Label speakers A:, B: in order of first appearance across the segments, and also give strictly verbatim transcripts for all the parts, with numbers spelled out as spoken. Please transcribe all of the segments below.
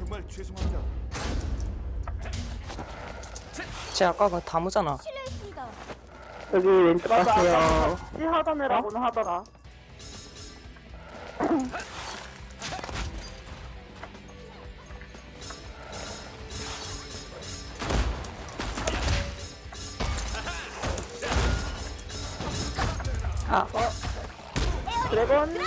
A: 정말 죄송합니다.
B: 쟤 아까 그 다무잖아.
C: 실례했습니다.
D: 여기 왼쪽
E: 맞아,
D: 갔어요.
E: 아까 같이 하던 애라고는 하더라.
B: 아,
E: 드래곤.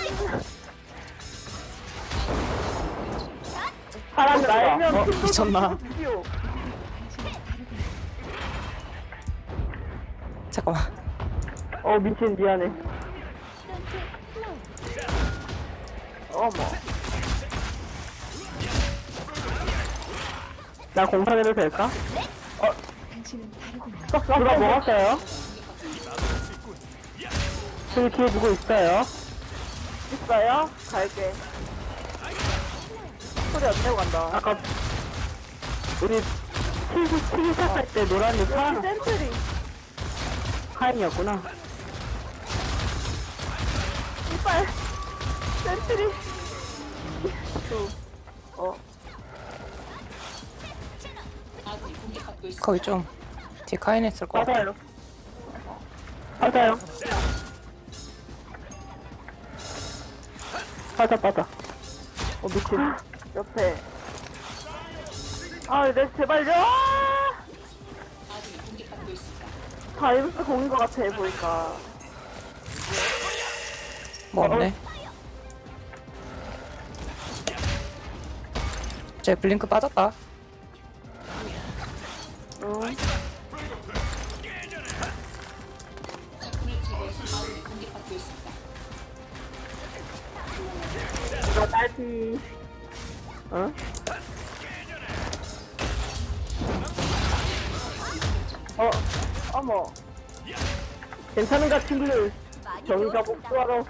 E: 사람 날면
D: 어,
E: 팀도
B: 미쳤나?
E: 비디오.
B: 잠깐만.
D: 어, 미친, 미안해.
E: 어머.
D: 나 공사해도 될까? 어, 누가 먹었어요? 저기 뒤에 누구 있어요?
E: 있어요? 갈게. 소리 안 내고 간다.
D: 아까, 우리 튀기, 튀기 시작할 때 노란이
E: 여기
D: 파란,
E: 센트리.
D: 하얀이었구나.
E: 이빨. 센트리. 두. 어.
B: 거기 좀 뒤에 카인 했을 거야.
D: 맞아요. 맞아요. 맞아, 맞아. 어, 미친.
E: 옆에. 아, 내 제발요. 다이브스 공인 것 같아 보니까.
B: 뭐 없네. 쟤 블링크 빠졌다.
E: 응. 이거 딸피.
D: 어?
E: 어, 어머.
D: 괜찮은가, 친구들?
C: 많이
D: 정의가
C: 배웠습니다.
D: 복수하러.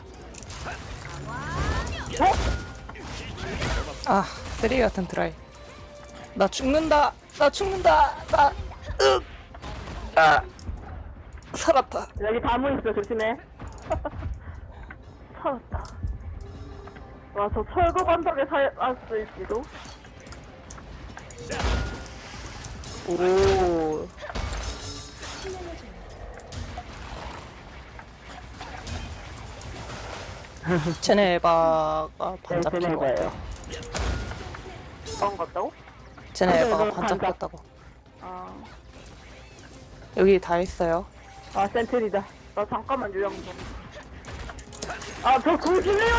B: 아, 쓰레기 같은 드라이. 나 죽는다. 나 죽는다. 나, 으, 아, 살았다.
D: 여기 다무 있어, 조심해.
E: 살았다. 와, 저 철거 반덕에 살았을지도?
D: 오.
B: 쟤네 에바가 반
D: 네,
B: 잡힌
D: 쟤네
B: 거 같아.
D: 에바예요.
E: 방 같다고?
B: 쟤네
D: 쟤네
B: 에바가
D: 에바
B: 반
D: 반
B: 잡혔다고.
E: 아,
B: 여기 다 있어요.
D: 아, 센트리다.
E: 나 잠깐만 요양 좀. 아, 저 구실래요?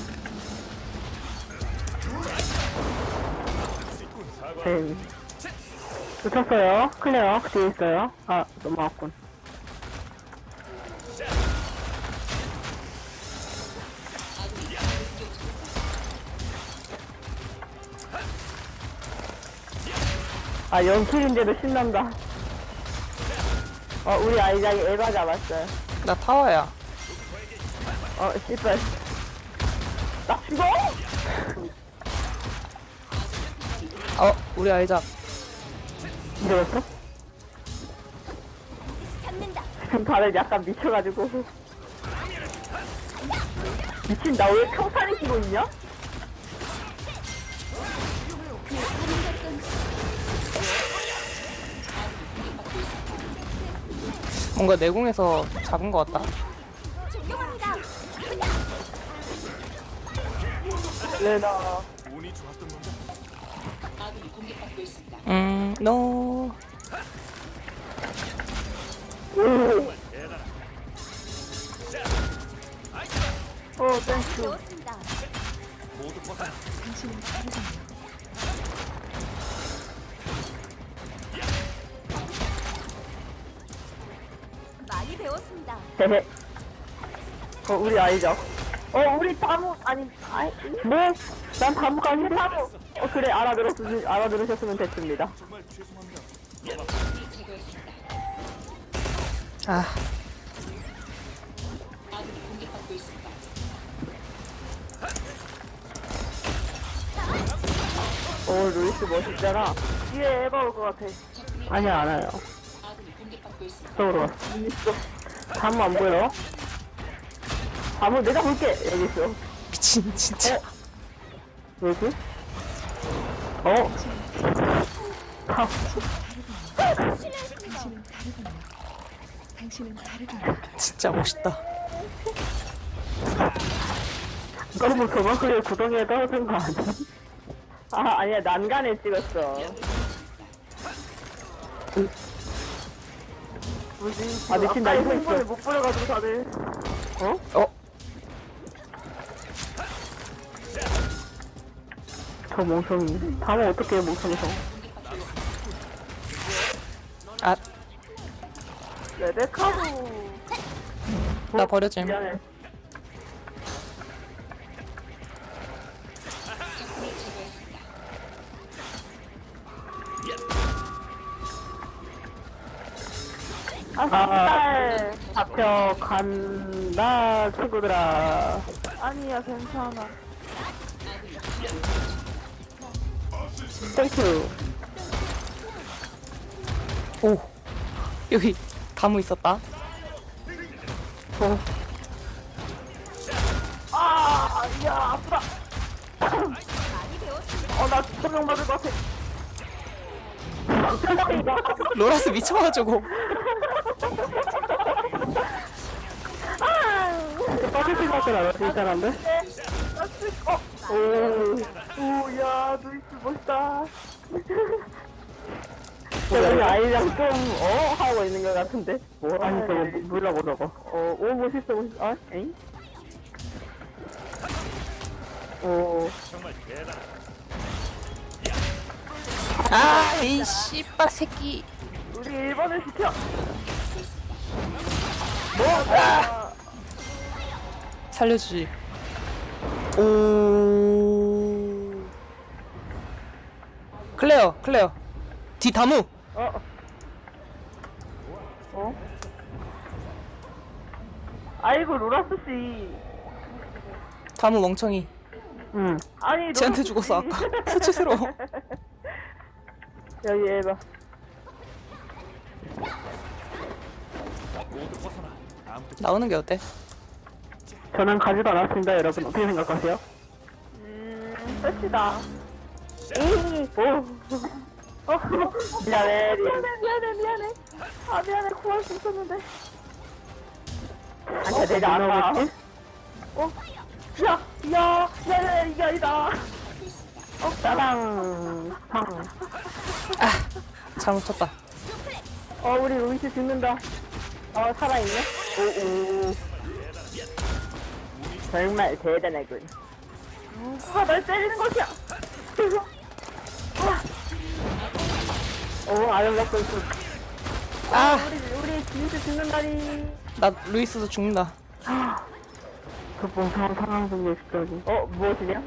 D: 네. 놓쳤어요. 클레어. 뒤에 있어요. 아, 넘어갔군. 아, 영킬인데도 신난다. 어, 우리 아이작이 에바 잡았어요.
B: 나 타워야.
D: 어, 씨발.
E: 나 죽어?
B: 어, 우리 아이작.
D: 이러겠어?
C: 잡는다.
D: 다들 약간 미쳐가지고. 미친, 나 왜 평탄이 끼고 있냐?
B: 뭔가 내공에서 잡은 거 같다.
C: 존경합니다.
E: 레나.
A: 운이 좋았던 건가?
B: 음, 노.
E: 어, 땡큐.
C: 배웠습니다.
A: 모두 벗어나.
C: 많이 배웠습니다.
D: 헤헤.
E: 어, 우리 아이죠. 어, 우리 다무, 아니, 아이,
D: 뭐? 난 다무가 아닌데? 어, 그래, 알아들었, 알아들으셨으면 됐습니다.
A: 정말 죄송합니다.
B: 아,
D: 오, 루이스 멋있잖아.
E: 뒤에 에바 올 것 같아.
D: 아니야, 알아요. 저쪽으로 와. 다무 안 보여? 다무 내가 볼게. 여기 있어.
B: 미친, 진짜.
D: 여기? 어? 아,
B: 진짜 멋있다.
D: 너무 저만큼의 구덩이에 떨어진 거 아니야? 아, 아니야, 난간에 찍었어.
E: 뭐지?
D: 아, 미친, 나 이거 있어.
E: 못 뿌려가지고 다들.
D: 어?
B: 어?
D: 저 멍청이. 다음은 어떻게 해, 멍청이서.
B: 아,
E: 레베카도.
B: 나 버려짐.
D: 미안해.
E: 아,
D: 아,
E: 진짜.
D: 잡혀간다, 친구들아.
E: 아니야, 괜찮아.
D: 땡큐.
B: 오, 여기 다무 있었다.
D: 어,
E: 아, 야, 아프다.
C: 많이 배웠습니다.
E: 어, 나 조명 맞을 것 같아.
B: 로라스 미쳐가지고.
D: 빠질 생각은 안 하지, 이 사람들?
E: 나 쓰, 어, 오, 오, 야, 루이스 멋있다.
D: 저기 아이랑 좀, 어? 하고 있는 것 같은데? 뭐? 아니, 저거, 뭐라고 저거. 어, 오, 멋있어, 멋있어. 아, 에잉? 오,
B: 아, 이 씨발 새끼.
E: 우리 일 번을 시켜.
B: 뭐? 아! 살려주지. 오. 클레어, 클레어. 뒤 다무.
D: 어? 어?
E: 아이고, 로라스 씨.
B: 다무 멍청이.
D: 응.
E: 아니,
B: 쟤한테
E: 로라스
B: 죽었어
E: 씨.
B: 아까. 수치스러워.
D: 여기 해봐.
A: 모두 벗어나. 아무도
B: 나오는 게 어때?
D: 저는 가지도 않았습니다, 여러분. 어떻게 생각하세요?
E: 음, 끝이다.
D: 에이, 오.
E: 어,
D: 미안해, 리.
E: 미안해, 미안해, 미안해. 아, 미안해, 구할 수 있었는데.
D: 아니야, 내가 안 나오겠지?
E: 어? 야, 야, 야, 야, 이게 아니다.
D: 어, 따당. 팡.
B: 잘못 쳤다.
D: 어, 우리 루이스 죽는다. 어, 살아있네? 오, 오. 정말 대단하군.
E: 누가 날 때리는 것이야.
D: 오, 아름답고 있어.
B: 아,
E: 우리, 우리 진짜 죽는다니.
B: 나 루이스도 죽는다.
D: 그 멍청한 상황 속에 있다니. 어, 무엇이냐?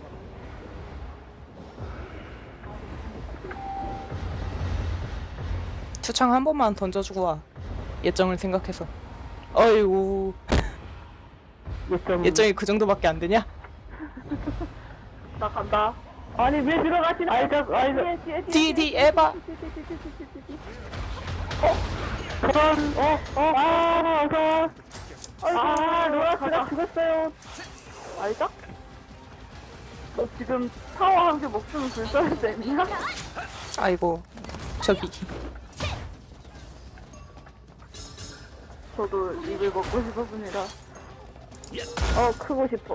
B: 투창 한 번만 던져주고 와. 예정을 생각해서. 어이구.
D: 예점.
B: 예정이 그 정도밖에 안 되냐?
E: 나 간다.
D: 아니, 왜 들어가지? 아이작, 아이작.
E: 뒤에, 뒤에, 뒤에.
B: 디, 디, 에바.
D: 그런, 어, 어, 아, 어서.
E: 아,
D: 로라스가
E: 가자.
D: 죽었어요.
E: 아이작? 너 지금 타워 한 개 목숨 불사를 냈냐?
B: 아이고. 저기.
E: 저도 이걸 먹고 싶었습니다.
D: 어, 크고 싶어.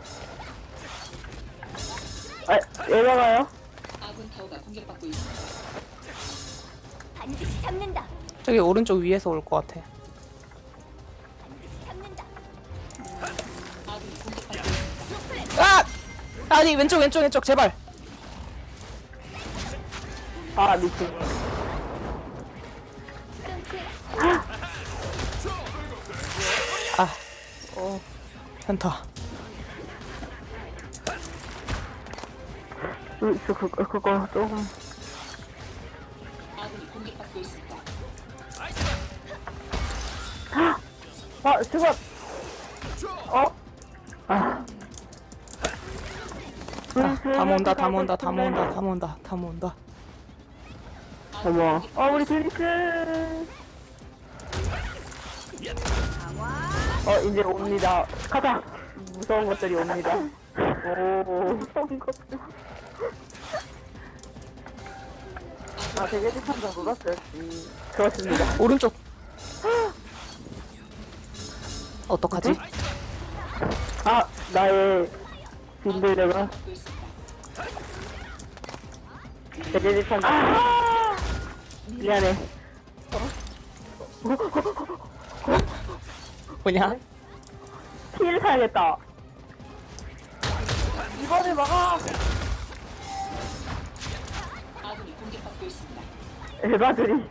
D: 아, 얘가가요?
C: 반드시 잡는다.
B: 저기 오른쪽 위에서 올 것 같아.
C: 잡는다.
B: 아! 아니, 왼쪽, 왼쪽, 왼쪽, 제발.
D: 아, 미친.
B: 아. 어. 현타.
D: 그, 그, 그, 그거 조금. 아, 죽었! 어? 아.
B: 아, 다 모은다, 다 모은다, 다 모은다, 다 모은다, 다 모은다.
D: 어머.
E: 어, 우리 드리스.
D: 어, 이제 옵니다. 가자! 무서운 것들이 옵니다. 오.
E: 무서운 것들. 아, 되게 비판장 놀았어야지.
D: 그렇습니다.
B: 오른쪽. 어떡하지?
D: 아, 나의 빈들레가 대대비판. 아! 미안해.
B: 뭐냐?
D: 피를 사야겠다.
E: 이번에 막아!
D: 에바들이.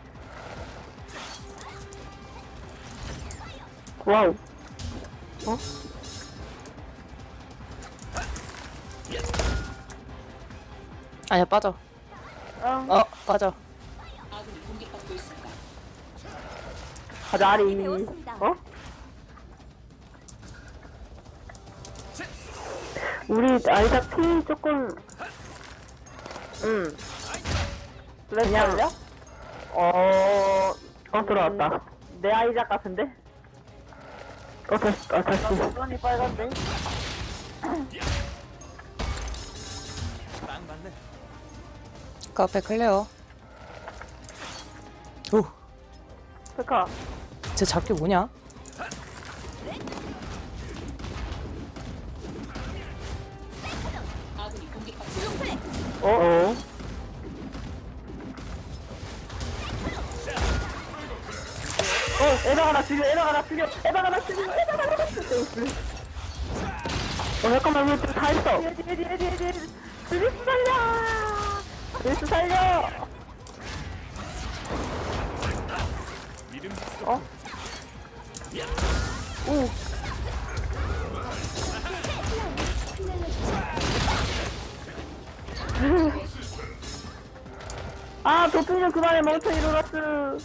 D: 와우. 어?
B: 아니야, 빠져.
E: 응.
B: 어, 빠져.
D: 가자, 아리.
C: 배웠습니다.
D: 어? 우리 아이다 피 조금, 응.
E: 그냥,
D: 그냥, 어, 어, 들어왔다. 내 아이작 같은데? 어, 다시, 어, 다시.
E: 나 여전히 빨간데?
A: 딱 맞네.
B: 그 앞에 클레어. 오,
E: 스카.
B: 쟤 잡기 뭐냐?
D: 어, 어. 어, 에바가 나 죽여, 에바가 나 죽여, 에바가 나 죽여, 에바가 나 죽여. 어, 잠깐만, 이거 다 했어.
E: 뒤에, 뒤에, 뒤에, 뒤에, 뒤에.
D: 드리스 살려! 드리스 살려!
A: 믿음
D: 어? 오. 아, 도핑 좀 그만해, 멍청이 로라스.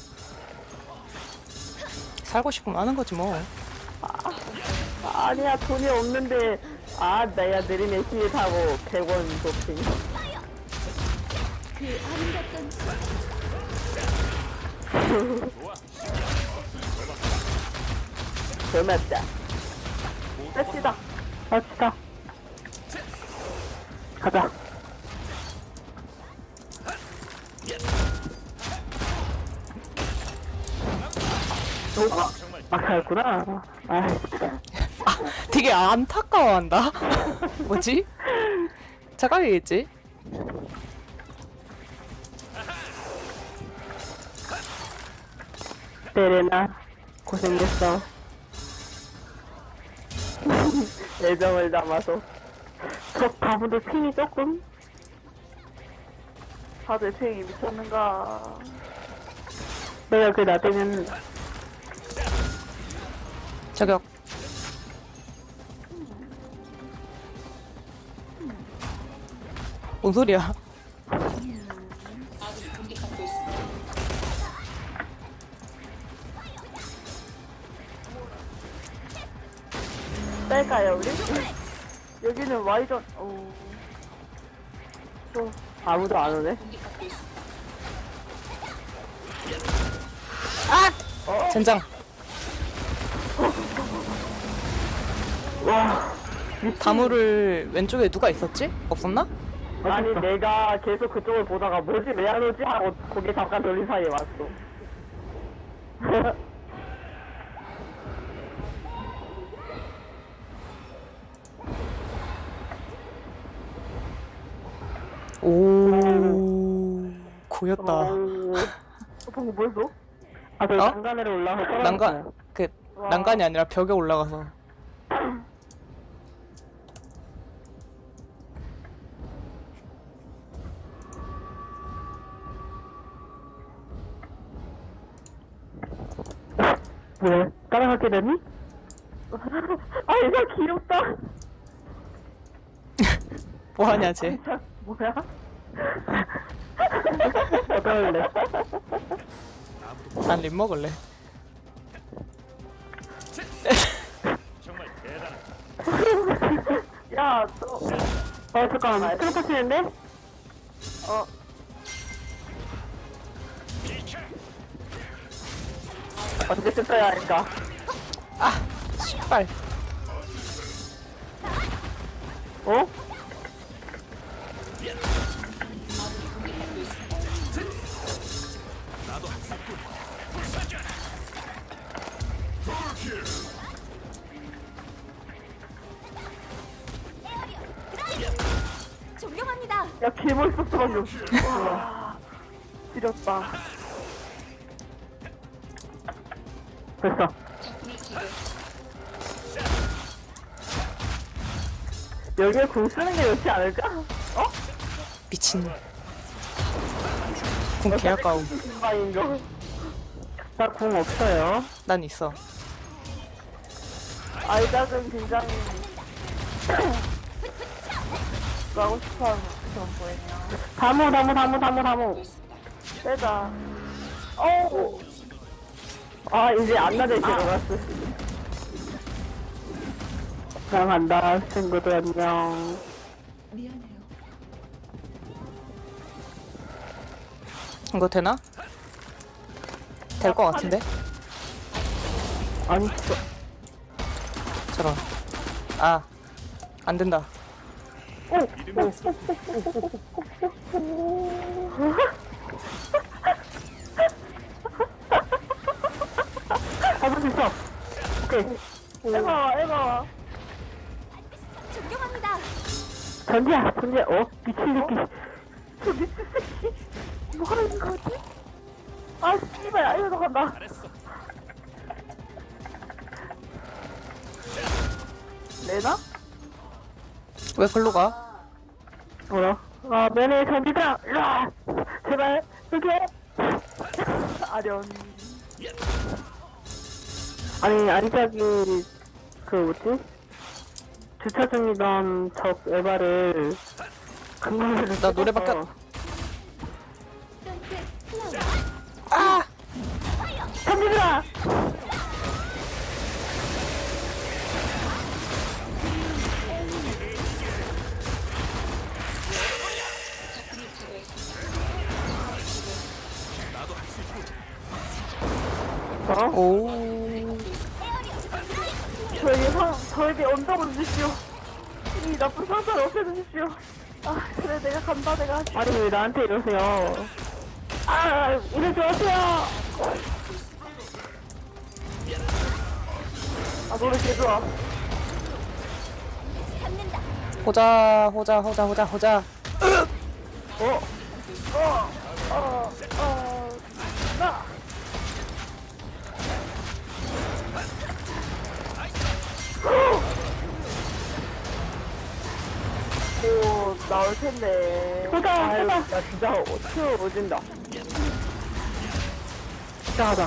B: 살고 싶으면 하는 거지 뭐.
D: 아니야, 돈이 없는데. 아, 나야 느리면 힐 타고 백 원 도핑.
C: 그 아름답던
D: 고맙다.
E: 뺍시다.
D: 갑시다. 가자. 오, 막하였구나. 아, 진짜.
B: 되게 안타까워한다. 뭐지? 착각이겠지?
D: 베레나, 고생했어. 애정을 담아서. 저 바보도 핑이 조금?
E: 다들 팽이 미쳤는가.
D: 내가 그 나대면
B: 저격. 뭔 소리야?
E: 뺄까요, 우리? 여기는 Y전, 오. 또,
D: 아무도 안 오네.
B: 젠장.
D: 와,
B: 다물을 왼쪽에 누가 있었지? 없었나?
D: 아니 내가 계속 그쪽을 보다가 뭐지 왜 안 오지 하고 고개 잠깐 돌린 사이에 왔어.
B: 오, 고였다.
D: 오.
E: 방금 뭐였어?
D: 아, 저
B: 어?
D: 난간으로 올라가서 떨어졌어요.
B: 난간, 그, 난간이 아니라 벽에 올라가서.
D: 왜? 따라가게 되니? 아, 이거 귀엽다.
B: 뭐하냐, 쟤.
E: 자, 뭐야?
D: 어떨래?
B: 난 립 먹을래.
A: 정말 대단하다.
E: 야, 너,
D: 어, 잠깐만. 트로퍼 치는데?
E: 어,
D: 어떻게 썼어야 할까?
B: 씨발.
D: 어?
C: 존경합니다.
E: 야, 개멋있었어, 방금. 와, 지렸다.
D: 됐어. 여기에 궁 쓰는 게 좋지 않을까? 어?
B: 미친. 궁 개아까움.
D: 신방인 거. 나 궁 없어요.
B: 난 있어.
E: 아이작은 굉장히 가고 싶어하는 그런 거예요.
D: 다무, 다무, 다무, 다무, 다무.
E: 빼자. 어우,
D: 아, 이제 안 나대 들어갔어. 나 간다, 친구들 안녕.
B: 이거 되나? 될 것 같은데?
D: 아니, 저,
B: 저런. 아, 안 된다.
A: 믿음의 소
D: 잡을 수 있어. 오케이.
E: 에바와, 에바와.
C: 존경합니다.
D: 전지야, 전지야. 어? 미친 새끼.
E: 저 미친 새끼. 뭐 하는 거지? 아, 씨발, 알려서 간다.
A: 잘했어.
E: 레나?
B: 왜 글로 가?
D: 뭐야? 아, 매네 전지다. 으아! 제발, 이렇게.
E: 아련.
D: 아니, 아리작이, 그, 뭐지? 주차 중이던 적 에바를, 금방으로
B: 나 노래 바뀌었-
C: 플라워.
B: 아!
D: 전지다! 어?
B: 오.
E: 저에게 상, 저에게 언덕을 주십시오. 이 나쁜 상사를 없애주십시오. 아, 그래, 내가 간다, 내가.
D: 아니, 왜 나한테 이러세요? 아, 이러지 마세요!
E: 아, 노래 개 좋아.
C: 잡는다.
B: 호자, 호자, 호자, 호자, 호자.
D: 어?
E: 어, 어, 어, 나. 오, 나올 텐데.
D: 보자,
E: 아유,
D: 보자.
E: 나 진짜 큐 오진다.
D: 이상하다.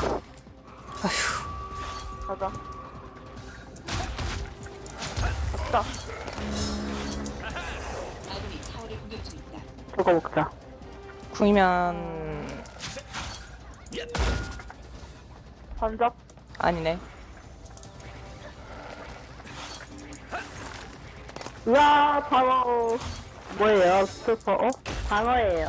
E: 가자. 갔다.
D: 저거 먹자.
B: 궁이면
E: 반잡.
B: 아니네.
D: 우와, 방어. 뭐예요? 스토퍼? 어? 방어예요.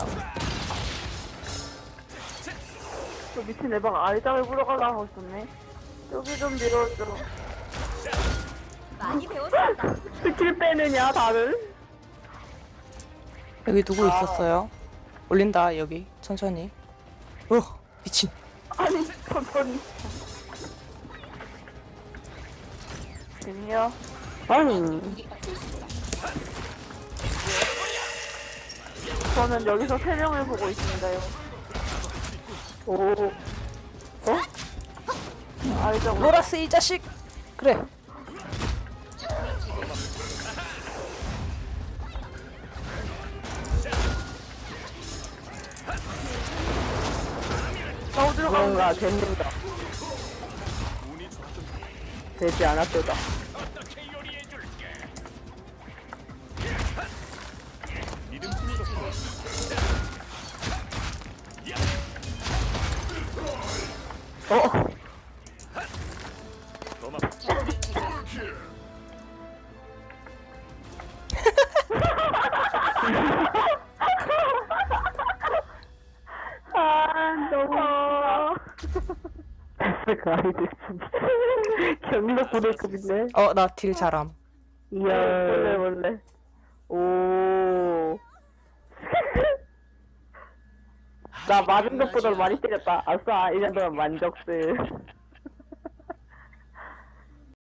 E: 저 미친 애방 알짱을 불어가려고 하고 있었네. 여기 좀 밀어줘.
C: 많이 배웠습니다.
D: 스킬 빼느냐, 다들?
B: 여기 누구 있었어요? 올린다, 여기. 천천히. 어, 미친.
E: 아니, 천천히. 재미야.
D: 아니.
E: 저는 여기서 세 명을 보고 있습니다요.
D: 오. 어?
E: 알짱.
B: 로라스 이 자식. 그래.
E: 나 어디로 가는
D: 뭔가 됩니다.
A: 운이 좋든
D: 되지 않았도다.
A: 어떻게 요리해줄게. 믿음의 소
D: 어?
A: 고맙다.
E: 아, 너무.
D: 그 아이들 진짜. 경력 부대급인데?
B: 어, 나 딜 잘함.
D: 이야.
E: 원래, 원래.
D: 오. 나 맞은 것보다 많이 때렸다. 아싸, 이 정도면 만족스.